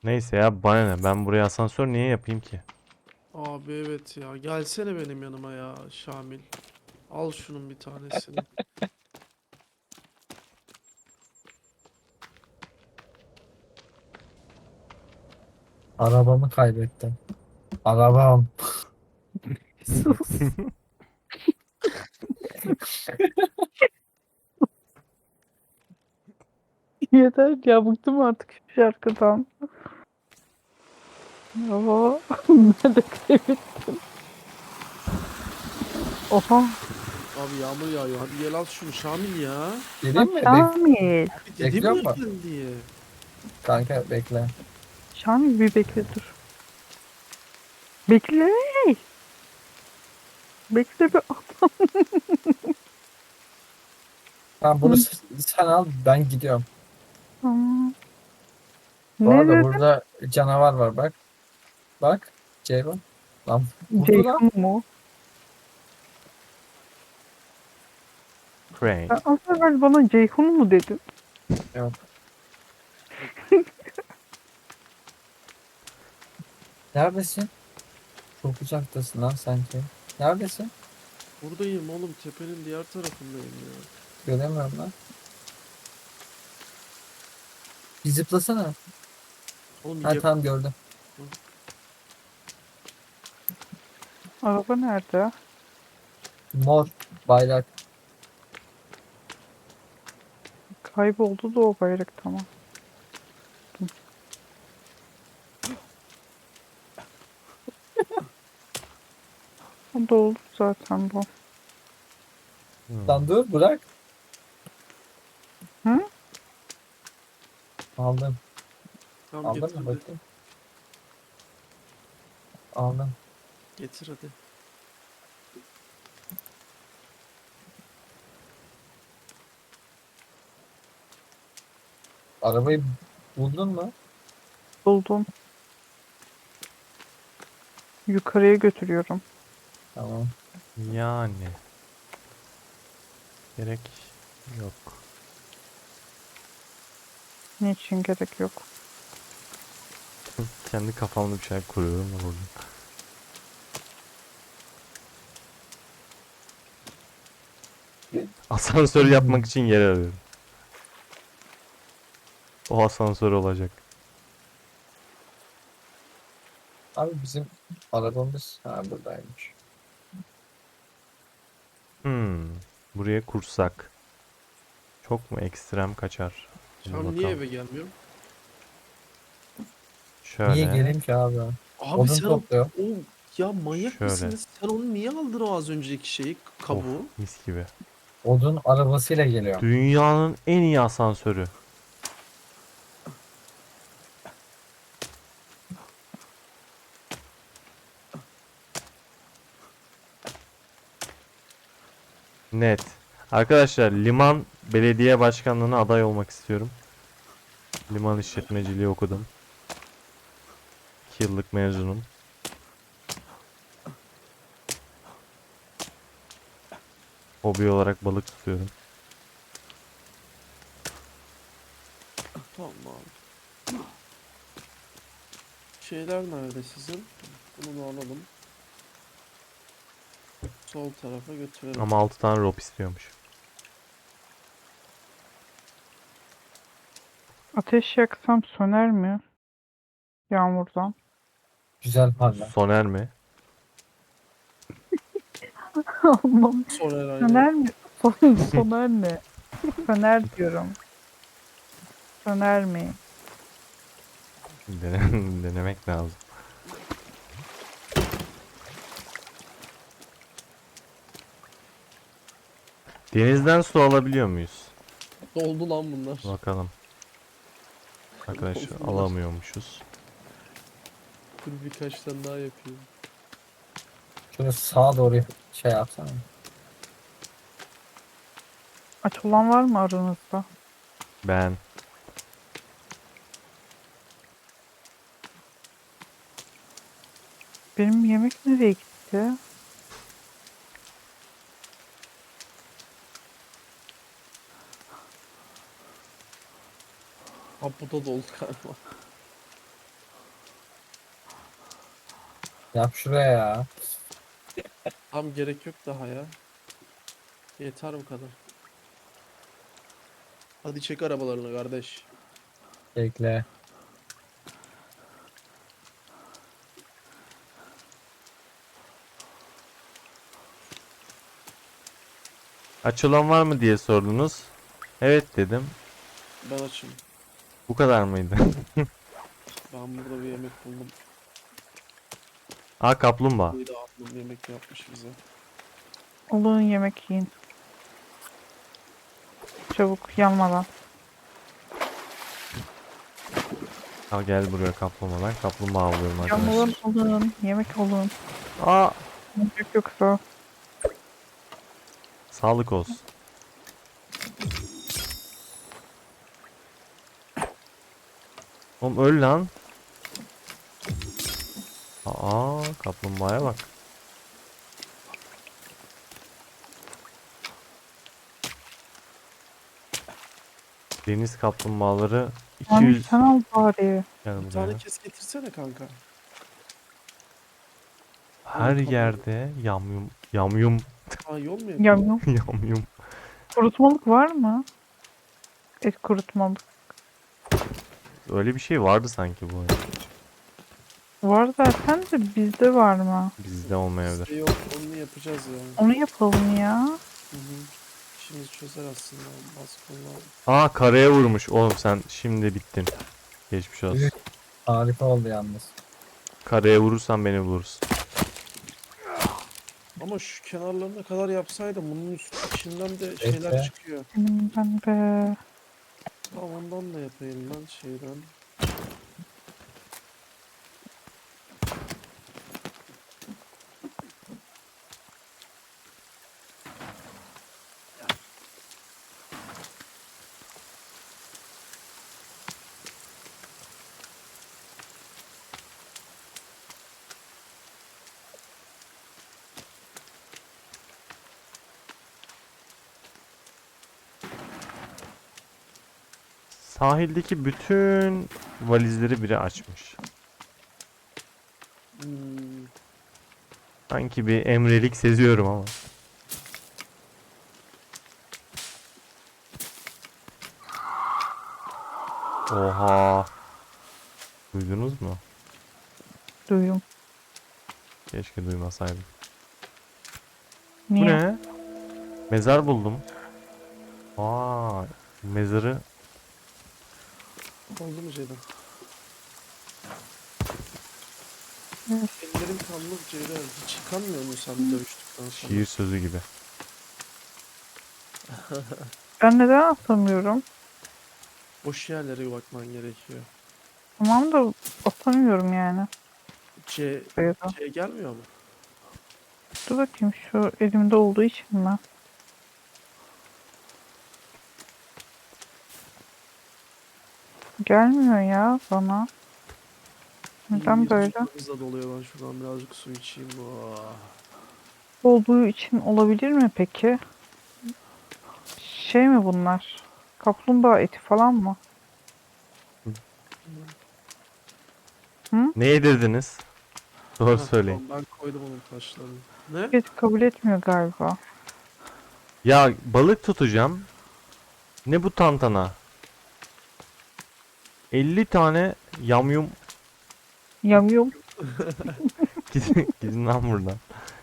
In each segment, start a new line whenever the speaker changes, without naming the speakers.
Neyse ya bana ne? Ben buraya asansör niye yapayım ki?
Abi evet ya. Gelsene benim yanıma ya Şamil. Al şunun bir tanesini.
Arabamı kaybettim. Arabam.
Sus. Yeter ya, bıktım artık şu şarkıdan. Aa, nerede kaybettim? Oha.
Abi yağmur yağıyor. Hadi gel al şunu Şamil ya.
Geleyim mi?
Şamil.
Abi dedim
Bekliyor
ya
mu?
gel diye.
Kanka bekle.
Şamil bir bekle dur. Bekle. Bekle bir.
Tamam bunu sen al, ben gidiyorum.
Aa,
Bu
ne
arada
dedi?
burada canavar var bak. Bak. Ceyhun. Lan vurdu lan.
Ceyhun mu?
Crank.
Sen az evvel bana Ceyhun mu dedin?
Yok. Neredesin? Çok uzaktasın lan sanki. Neredesin?
Buradayım oğlum. Tepenin diğer tarafındayım ya.
Göremiyorum lan. Bir zıplasana.
Oğlum
Ha tamam gördüm.
Araba nerede?
Mor bayrak.
Kayboldu da o bayrak, tamam. O doldu zaten bu.
Lan dur bırak.
Hı?
Aldım.
Tamam
Aldın
getir
mı
hadi.
bakayım? Aldım.
Getir hadi.
Arabayı buldun mu?
Buldum. Yukarıya götürüyorum.
Tamam.
Yani. Gerek yok.
Niçin gerek yok.
Kendi kafamda bir şey kuruyorum da burada. Asansör yapmak için yer arıyorum. O asansör olacak.
Abi bizim arabamız buradaymış.
Hmm. Buraya kursak. Çok mu ekstrem kaçar? Hadi
Şamil niye
bakalım.
eve gelmiyor?
Niye
Şöyle.
geleyim ki abi?
Abi
Odun
sen
topluyor.
o ya manyak
Şöyle.
mısınız? Sen onu niye aldın o az önceki şeyi
Of,
kabuğu?
mis gibi.
Odun arabasıyla geliyor.
Dünyanın en iyi asansörü. Net. Arkadaşlar liman belediye başkanlığına aday olmak istiyorum. Liman işletmeciliği okudum. 2 yıllık mezunum. Hobi olarak balık tutuyorum.
Tamam abi. Şeyler nerede sizin? Bunu da alalım. Sol tarafa götürelim.
Ama 6 tane rope istiyormuş.
Ateş yaksam söner mi? Yağmurdan.
Güzel parla.
Soner mi?
Allah'ım.
Soner aynen.
Söner mi? Soner ne? Söner diyorum. Söner mi?
Denemek lazım. Denizden su alabiliyor muyuz?
Doldu lan bunlar.
Bakalım. Arkadaşlar
Doldu bunlar.
alamıyormuşuz.
Dur birkaç tane daha yapayım.
Şunu sağa doğru şey yapsana.
Aç olan var mı aranızda?
Ben.
Benim yemek nereye gitti?
Ha bu da doldu galiba.
Yap şuraya ya.
Tam gerek yok daha ya. Yeter bu kadar. Hadi çek arabalarını kardeş.
Bekle.
Aç olan var mı diye sordunuz. Evet dedim.
Ben açım.
Bu kadar mıydı?
Ben burada bir yemek buldum.
Aa, kaplumbağa.
Bir de ablam yemek yapmış bize.
Olun yemek yiyin. Çabuk yanmadan.
Al gel buraya kaplumbağa. Ben kaplumbağa avlıyorum arkadaşlar.
Yanmadan olun. Yemek olun.
Aa,
Yemek yoksa.
sağlık olsun. Oğlum öl lan. Aa, kaplumbağaya bak. Deniz kaplumbağaları
Yani
200
sen al bari.
gel
Bir
buraya.
tane kes getirsene kanka.
Her yerde yamyum yamyum
Aa yol mu yapıyor?
Yamyam.
yamyum.
Kurutmalık var mı? Et kurutmalık.
Öyle bir şey vardı sanki bu oyunda.
Var zaten de bizde var mı?
Bizde olmayabilir.
Bizde yok, onu yapacağız ya.
Onu yapalım ya.
Hı hı. İşimizi çözer aslında. Baskınla.
Aa, karaya vurmuş. Oğlum sen şimdi bittin. Geçmiş olsun.
Harika oldu yalnız.
Karaya vurursan beni bulursun.
Ama şu kenarlarına kadar yapsaydım bunun içinden de şeyler
Bekle.
çıkıyor.
Benim ben de.
Tamam ondan da yapayım ben şeyden.
Sahildeki bütün valizleri biri açmış.
Hmm.
Sanki bir emrelik seziyorum ama. Oha. Duydunuz mu?
Duyum.
Keşke duymasaydım.
Niye?
Bu ne? Mezar buldum. Aa, mezarı
Oldu mu Ceyda?
Evet.
Ellerim kanlı Ceyda. Hiç yıkanmıyor mu sen dövüştükten sonra?
şiir sözü gibi.
Ben neden atamıyorum?
Boş yerlere bakman gerekiyor.
Tamam da atamıyorum yani.
C,
Sayıda.
C gelmiyor mu?
Dur bakayım şu elimde olduğu için mi? Gelmiyor ya bana. Neden
İyi,
böyle?
hızla doluyor, ben şuradan birazcık su içeyim. Oh.
Olduğu için olabilir mi peki? Şey mi bunlar? Kaplumbağa eti falan mı?
Ne yedirdiniz? Doğru
Ha,
söyleyin.
tamam, ben koydum onun taşlarını. Ne?
Et kabul etmiyor galiba.
Ya balık tutacağım. Ne bu tantana? 50 tane yamyum.
Yamyum.
Gidin lan buradan.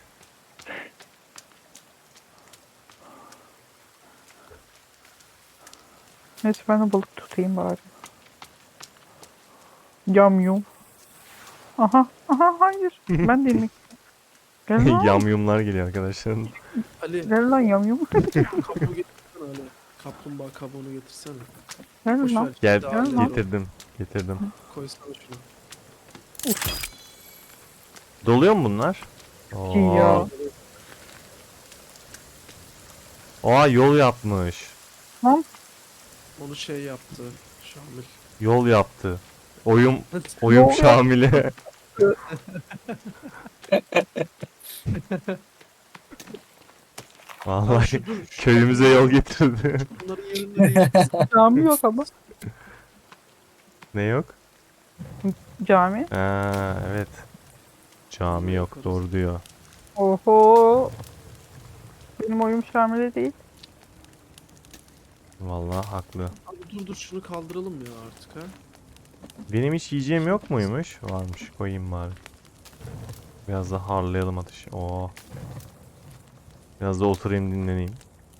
Neyse ben de balık tutayım bari. Yamyum. Aha. Aha hayır. Ben de yemek. Gel lan.
Yamyumlar geliyor arkadaşlar.
Ali,
Gel lan yamyum.
kabuğu getirsene Ali. Kaplumbağa kabuğunu getirsene. Boş
Gel lan.
ver.
Gel,
Ceyda, Ali,
getirdim. Getirdim.
koysana şunu.
Doluyor mu bunlar?
Ya.
Oo. Oha, yol yapmış.
Lan.
Onu şey yaptı Şamil.
Yol yaptı. Oyum
Yol yaptı.
Şamil'e.
Ha,
Vallahi
dur, şu
köyümüze yol getirdi.
bunların yerinde değil.
Cami yok ama.
Ne yok?
Cami.
Ha, evet. Cami yok,
Yaparız.
doğru diyor.
Oho. Benim oyum Şamil'e değil.
Vallahi haklı.
Abi dur şunu kaldıralım ya artık ha.
Benim hiç yiyeceğim yok muymuş? Varmış, koyayım bari. Biraz da harlayalım ateşi. Oo. Biraz da oturayım, dinleneyim.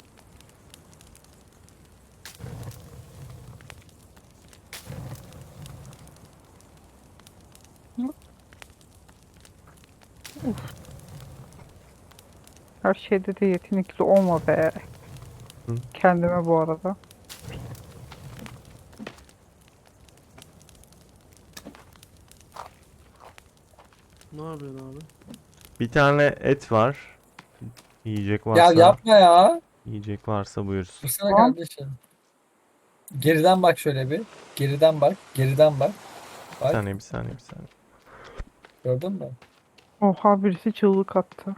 Her şeyde de yetenekli olma be.
Hı.
Kendime bu arada.
Ne yapıyorsun abi?
Bir tane et var. Yiyecek
Ya
varsa,
yapma ya.
yiyecek varsa buyursun.
Dursana
Tamam.
kardeşim. Geriden bak şöyle bir. Geriden bak. Geriden bak.
Bir
Bak.
saniye, bir saniye, bir saniye.
Gördün mü?
Oha birisi çığlık attı.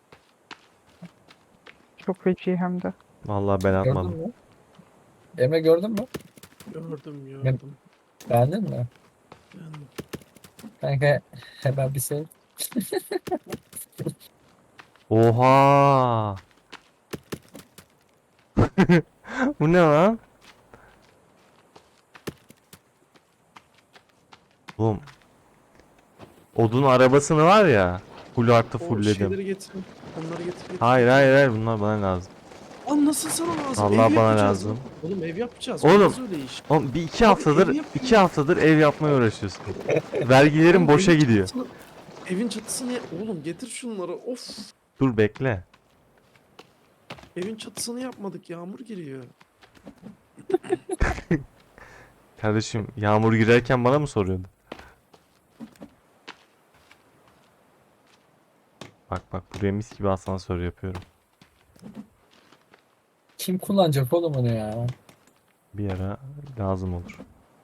Çok feci hem de.
Vallahi ben
Gördün
atmadım.
mü? Emre gördün mü?
Gördüm.
Beğendin mi?
Yani
Kanka hemen bir sev.
Oha! Bu ne lan? Oğlum. Odun arabasını var ya. Full artı
o
fullledim.
şeyleri getirin. Onları getir.
Hayır, bunlar bana lazım.
Lan nasıl sana lazım?
Vallahi
Ev
bana
yapacağız
lazım.
lan. Oğlum ev yapacağız.
Oğlum.
Olmaz öyle iş.
Oğlum bir iki
Abi
haftadır
evi yapayım.
2 haftadır ev yapmaya uğraşıyorsun. Vergilerim
Oğlum,
boşa
evin
gidiyor.
Evin çatısını oğlum getir şunları. Of.
Dur bekle.
Evin çatısını yapmadık. Yağmur giriyor.
Kardeşim yağmur girerken bana mı soruyordun? Bak buraya mis gibi asansör yapıyorum.
Kim kullanacak oğlum onu ya?
Bir ara lazım olur.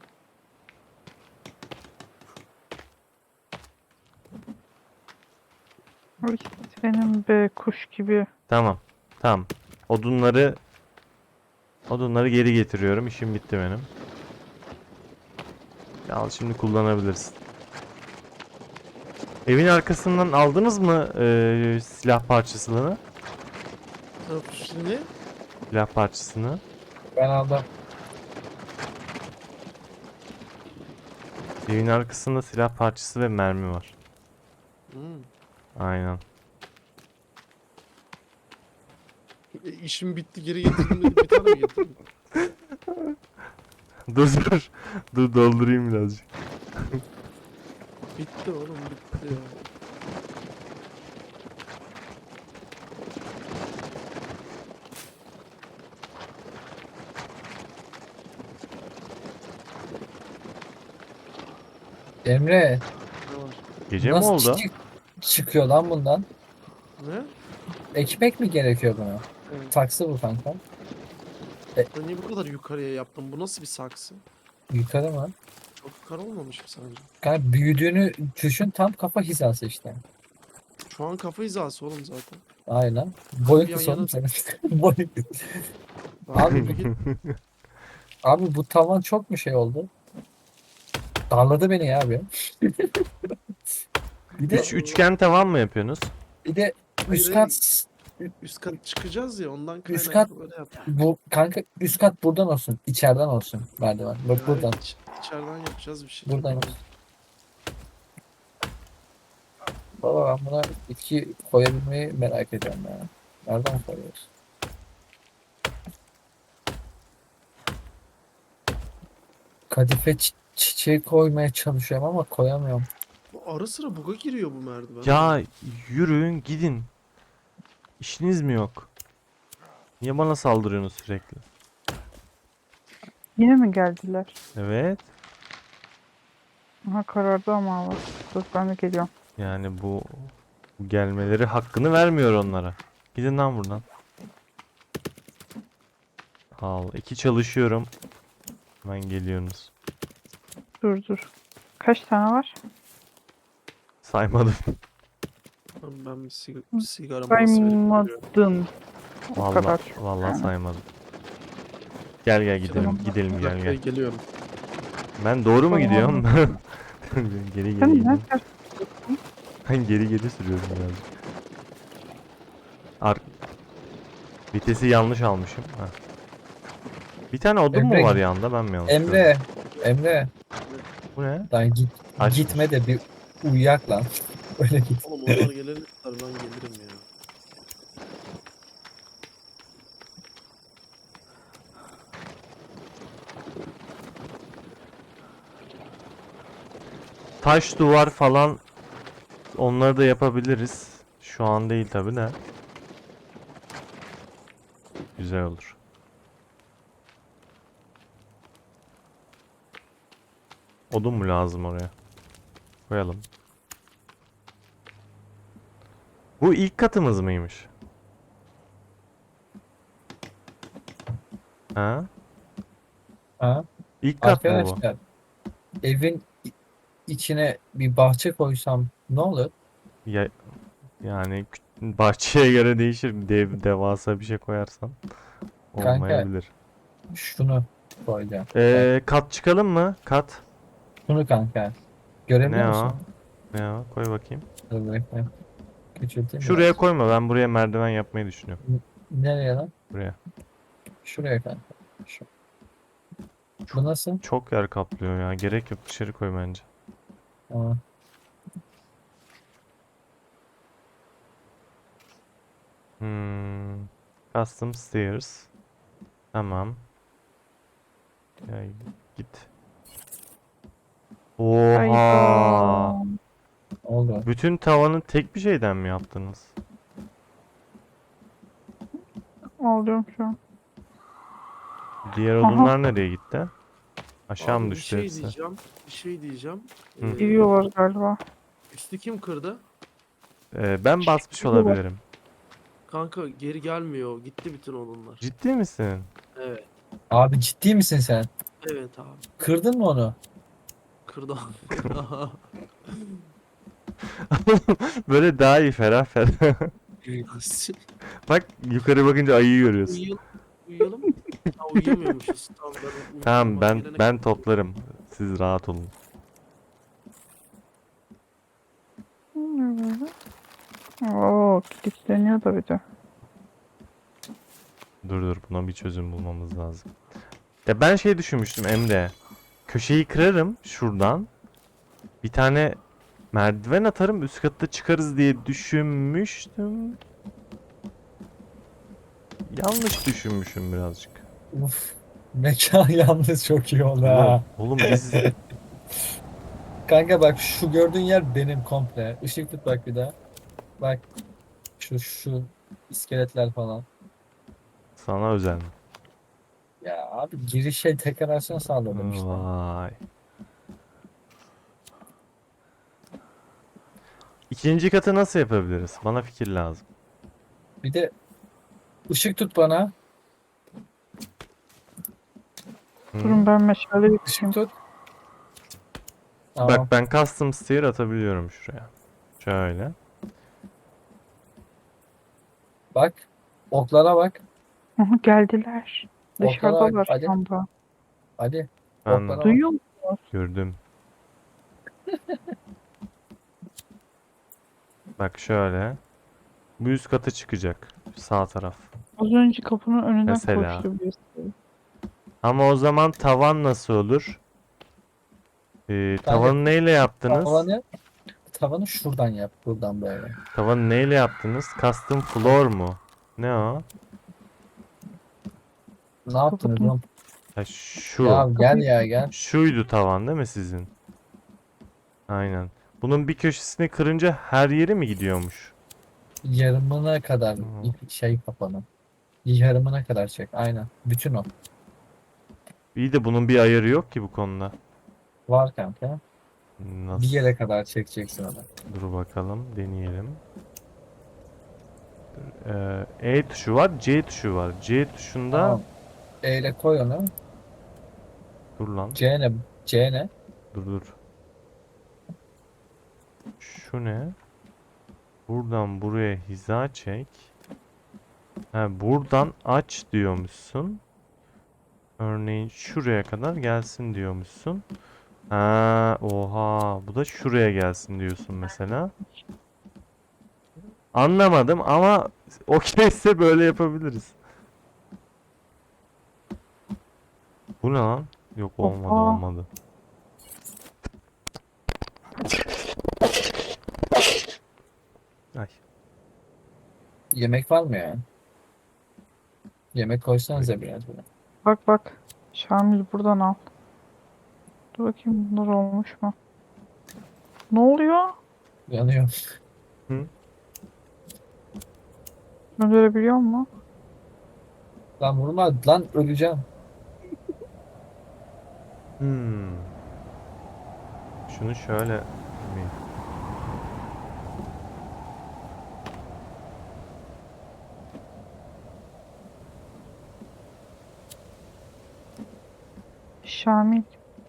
Ay, senin be kuş gibi.
Tamam. Odunları geri getiriyorum. İşim bitti benim. Al şimdi kullanabilirsin. Evin arkasından aldınız mı silah parçasını?
Şimdi
Silah parçasını.
Ben aldım.
Evin arkasında silah parçası ve mermi var. Aynen.
işim bitti geri getirdim dedi. Bir tane mi getirdin?
Dur doldurayım birazcık.
Bitti oğlum bitti ya.
Emre
Ne var?
Gece mi
nasıl
oldu?
çıkıyor lan bundan?
Ne?
Ekmek mi gerekiyor buna?
Evet.
Saksı bu kanka.
Ben niye bu kadar yukarıya yaptım? Bu nasıl bir saksı?
Yukarı mı?
Çok yukarı olmamış mı sence?
Kanka büyüdüğünü düşün, tam kafa hizası işte.
Şu an kafa hizası oğlum zaten.
Aynen. Boyu
Bir yan
kısa oğlum
yana-
senin. Boyu kısa. Abi bir git. Abi bu tavan çok mu şey oldu? Darladı beni ya abi. Bir de
Üçgen tavan mı yapıyorsunuz?
üst
Hayır,
kat
Üst kat çıkacağız ya ondan
Üst
kaynaklı böyle yap.
bu kanka, üst kat buradan olsun, içeriden olsun merdiven. Bak
Ya
buradan.
evet, içeriden yapacağız bir şey.
Buradan olsun. Baba ben buna bitki koyabilmeyi merak ediyorum ya. Nereden koyuyoruz? Kadife çiçeği koymaya çalışıyorum ama koyamıyorum.
Bu ara sıra buga giriyor bu merdiven.
Ya yürüyün gidin. İşiniz mi yok? Niye bana saldırıyorsunuz sürekli?
Yine mi geldiler?
Evet.
Aha karardı ama hava. Dur ben de geliyorum.
Yani bu gelmeleri hakkını vermiyor onlara. Gidin lan buradan. Al. 2 çalışıyorum. Hemen geliyorsunuz.
Dur. Kaç tane var?
Saymadım.
Ben bir sigara molası verip geliyorum.
Saymadın. O kadar.
Vallahi saymadım. Gel gidelim.
Tamam.
Gidelim
Bir
gel
dakika,
gel.
geliyorum.
Ben doğru mu
Tamam.
gidiyorum? Geri
Sen
gidiyorum.
ne?
Ben geri geri sürüyorum birazcık. Ar Vitesi yanlış almışım. Ha. Bir tane odun mu
Emre,
var yanında? Ben mi yanlış gördüm?
Emre,
Bu ne?
lan
Açmış.
gitme de bir uyuyak lan. Öyle git.
Oğlum onlar gelene kadar ben gelirim ya.
Taş duvar falan onları da yapabiliriz. Şu an değil tabi de. Güzel olur. Odun mu lazım oraya? Koyalım. Bu ilk katımız mıymış? Ha?
Ha?
İlk kat mı bu?
Arkadaşlar, evin içine bir bahçe koysam ne olur?
Ya, yani bahçeye göre değişir. Devasa bir şey koyarsan
Kanka,
olmayabilir.
şunu koyacağım. Bak,
Kat çıkalım mı? Kat.
şunu kanka. Görebiliyor
Ne
musun?
o? Ne o? Koy bakayım.
Dur bekle. Küçülteyim
Şuraya
biraz.
koyma. Ben buraya merdiven yapmayı düşünüyorum.
Nereye lan?
Buraya.
Şuraya kanka. Şu. Bu nasıl?
Çok yer kaplıyor ya. Gerek yok. Dışarı koy bence.
Aa,
Hmm. Custom stairs. Tamam. Ya, git. Oha.
Hayda.
oldu.
Bütün tavanı tek bir şeyden mi yaptınız?
Ağlıyorum şu an.
Diğer
Aha.
odunlar nereye gitti? Aşağı
Abi
mı
bir
düştü
şey
hepsi?
diyeceğim. Bir şey diyeceğim.
Hı.
Giriyorlar galiba.
Üstü kim kırdı?
Ben basmış
Giriyorlar.
olabilirim.
Kanka geri gelmiyor. Gitti bütün odunlar.
Ciddi misin?
Evet.
Abi ciddi misin sen?
Evet abi.
Kırdın mı onu?
Kırdı abi.
Böyle daha iyi ferah ferah. Bak yukarı bakınca ayıyı görüyorsun.
Uyuyalım. Uyuyalım. Ha, uyuyamıyormuşuz. Tamam ben
Tamam
uykumam
ben
gelene
ben
kadar-
toplarım. Siz rahat olun.
Ne böyle? Oo, kilitleniyor da bir de.
Dur buna bir çözüm bulmamız lazım. Ya ben şey düşünmüştüm Emre. Köşeyi kırarım şuradan. Bir tane merdiven atarım üst katta çıkarız diye düşünmüştüm. Yanlış düşünmüşüm birazcık.
Uf. Mekan yalnız çok iyi oldu
Oğlum,
ha.
oğlum biz
Kanka bak şu gördüğün yer benim komple. Işık tut bak bir daha. Bak şu iskeletler falan.
sana özel mi?
Ya abi girişe dekorasyon sağladım işte.
Vay. İkinci katı nasıl yapabiliriz? Bana fikir lazım.
Bir de ışık tut bana.
Hı?
Durun ben meşale
Işık
yakayım.
tut. Tamam.
Bak ben custom stair atabiliyorum şuraya. Şöyle.
Bak. Oklara bak.
Aha, geldiler.
Oklara bak.
Dışarıdalar
Hadi.
şu anda.
Hadi.
Ben
Oklara bak.
Duyuyor musunuz?
gördüm. Bak şöyle. Bu üst kata çıkacak. Sağ taraf.
Az önce kapının önünden
Mesela.
koştu birisi.
Ama o zaman tavan nasıl olur? Tavanı neyle yaptınız?
Tavanı şuradan yap. Buradan böyle.
Tavanı neyle yaptınız? Custom floor mu? Ne o?
Ne yaptınız
Kapatın.
oğlum?
Ha, şu.
Ya gel ya gel.
Şuydu tavan değil mi sizin? Aynen. Bunun bir köşesini kırınca her yeri mi gidiyormuş?
Yarımına kadar şey kapanı. Yarımına kadar çek. Aynen. Bütün o.
İyi de bunun bir ayarı yok ki bu konuda.
Var kanka.
Nasıl?
Bir yere kadar çekeceksin onu.
Dur bakalım, deneyelim. E tuşu var, C tuşu var. C tuşunda
Tamam. E ile koy onu.
dur lan.
C ne? C ne?
Dur. Şu ne? Buradan buraya hiza çek. Ha, buradan aç diyormuşsun. Örneğin şuraya kadar gelsin diyormuşsun. Ha, oha. Bu da şuraya gelsin diyorsun mesela. Anlamadım ama okeyse böyle yapabiliriz. Bu ne lan? Yok olmadı
Hoppa.
olmadı. Ay.
Yemek var mı ya? Yemek koysanıza biraz buna.
Bak bak. Şamil buradan al. Dur bakayım bunlar olmuş mu? Ne oluyor?
Yanıyor.
Hı?
Öldürebiliyor mu?
Lan vurma lan öleceğim.
Hmm. Şunu şöyle mi?
Şamil.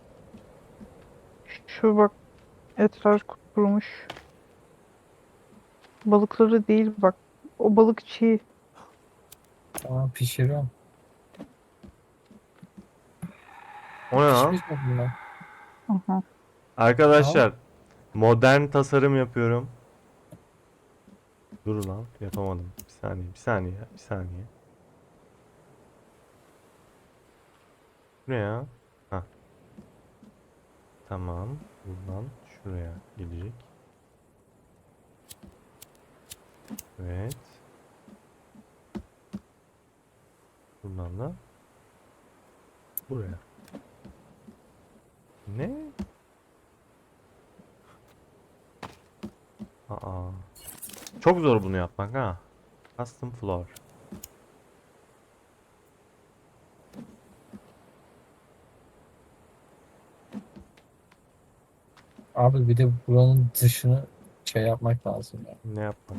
Şu bak etraf kurumuş. Balıkları değil bak. O balık çiğ.
Tamam pişiriyorum.
O ne lan?
Pişmiş mi bunlar?
Aha.
Arkadaşlar modern tasarım yapıyorum. Dur lan yapamadım. Bir saniye bir saniye bir saniye. Bu ne ya? Hah. Tamam. Buradan şuraya gelecek. Evet. Buradan da buraya. Ne? Aa. Çok zor bunu yapmak ha. Custom floor.
Abi bir de buranın dışını şey yapmak lazım ya.
Ne yapmak?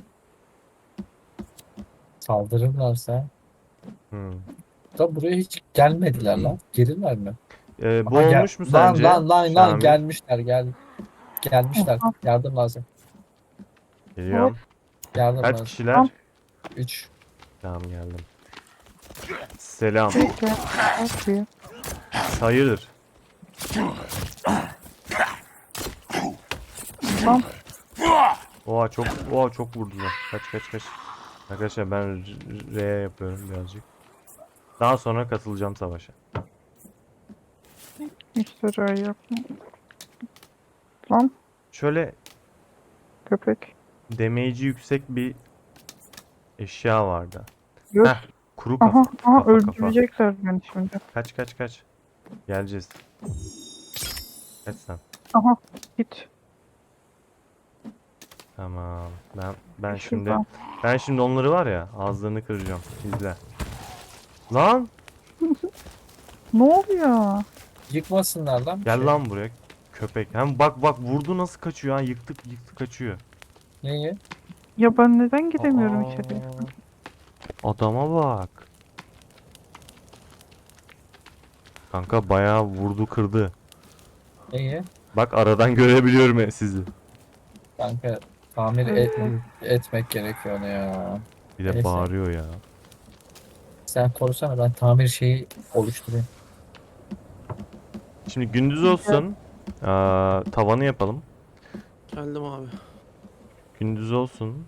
Saldırırlarsa.
Hmm.
Da buraya hiç gelmediler lan. Gelirler mi?
Bu
Aha,
olmuş mu
lan
sence?
lan lan lan
Şamil.
gelmişler gelmişler.
Oha.
Yardım lazım.
Hop.
Geliyorum.
Yardım
Kaç
lazım.
kişiler?
Tamam.
3.
Tamam geldim. Selam.
Bekle. Bakayım.
Hayırdır?
Tamam.
Oha çok vurdular. Kaç. Arkadaşlar ben R yapıyorum birazcık. Daha sonra katılacağım savaşa.
İşte öyle yapma. Lan
Şöyle
köpek.
damage'i yüksek bir eşya vardı.
Göz.
Heh, kuru
Aha,
kafa.
aha
Kafa.
öldürecekler beni şimdi.
Kaç. Geleceğiz. Kaç sen.
Aha git.
Tamam. Ben şimdi
Şuradan.
ben şimdi onları var ya ağızlarını kıracağım. İzle. Lan
Ne oluyor?
Yıkmasınlar lan bir
gel
şey.
lan buraya köpek. Hem bak vurdu nasıl kaçıyor ha yıktık kaçıyor.
Neyi?
Ya ben neden gidemiyorum içeriye?
Adama bak. Kanka bayağı vurdu kırdı.
Neyi?
Bak aradan görebiliyorum sizi.
Kanka tamir
Evet.
etmek gerekiyor onu ya.
Bir de
Neyse.
bağırıyor ya.
Sen korusana ben tamir şeyi oluşturayım.
Şimdi gündüz olsun. Tavanı yapalım.
Geldim abi.
Gündüz olsun.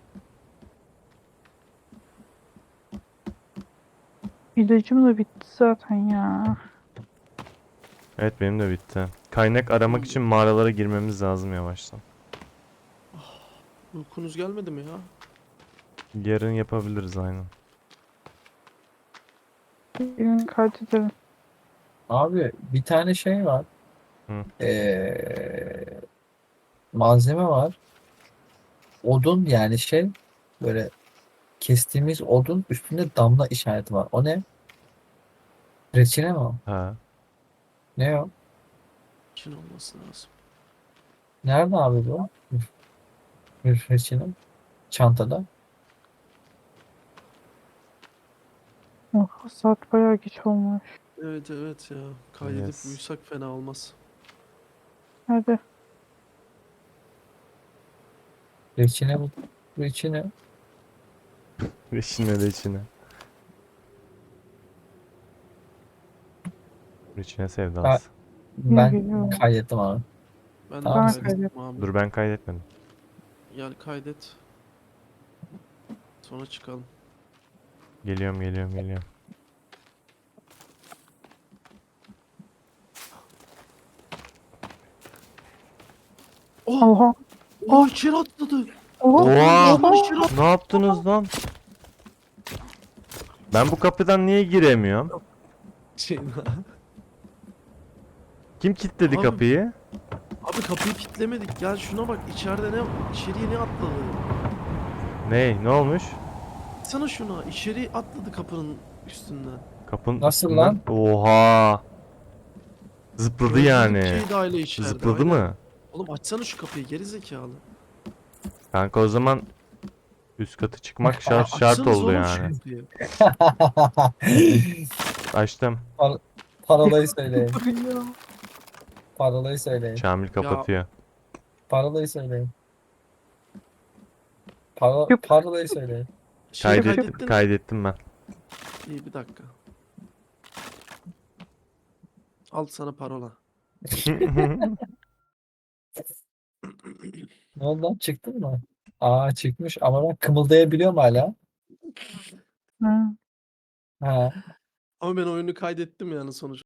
İlacım da bitti zaten ya.
Evet benim de bitti. Kaynak aramak için mağaralara girmemiz lazım yavaştan.
Uykunuz gelmedi mi ya?
Yarın yapabiliriz aynen.
Birini kaydedelim.
Abi bir tane şey var.
Hı.
Malzeme var. Odun yani şey böyle kestiğimiz odun üstünde damla işareti var. O ne? Reçine mi o?
Ha.
Ne o?
Çin olması lazım.
Nerede abi bu? Reçine. Çantada.
Oh, saat bayağı geç olmuş.
Evet ya. Kaydedip
Yes.
uyusak fena olmaz.
Hadi.
Reçine bu. Reçine.
Reçine reçine. Reçine sevdası.
Ben
geliyor?
kaydettim abi.
Ben de
Tamam.
kaydettim abi.
Dur ben kaydetmedim.
Gel kaydet. sonra çıkalım.
Geliyorum geliyorum geliyorum.
Oh!
Oha.
Oh içeri atladı.
Oha.
Oha!
Kapının içeri atladı.
Ne yaptınız lan? Ben bu kapıdan niye giremiyorum? Kim kilitledi
Abi-
kapıyı?
Abi kapıyı kilitlemedik. Gel şuna bak. İçeride ne? İçeriye ne atladı?
Ne olmuş?
Sana şuna. İçeri atladı kapının üstünden.
Kapının
Nasıl
üstünden.
lan?
Oha! Zıpladı
Öldürdük
yani.
Ceyda'yla içeride.
Zıpladı
aynen.
mı?
Oğlum açsana şu kapıyı geri zekalı.
Kanka o zaman üst katı çıkmak şart
Açsanız
oldu
oğlum şu
yani.
kapıyı.
Açtım.
Parolayı söyleyin.
Ya.
Parolayı söyleyin.
Şamil kapatıyor.
Parolayı söyleyin.
Yup.
Parolayı söyleyin.
Şeyi
Kaydettim,
kaydettin.
kaydettim ben.
İyi bir dakika. Al sana parola.
Ne oldu lan? Çıktın mı? Aa çıkmış ama ben kımıldayabiliyorum hala.
Hı.
Ha.
Ama ben oyunu kaydettim yani sonuç.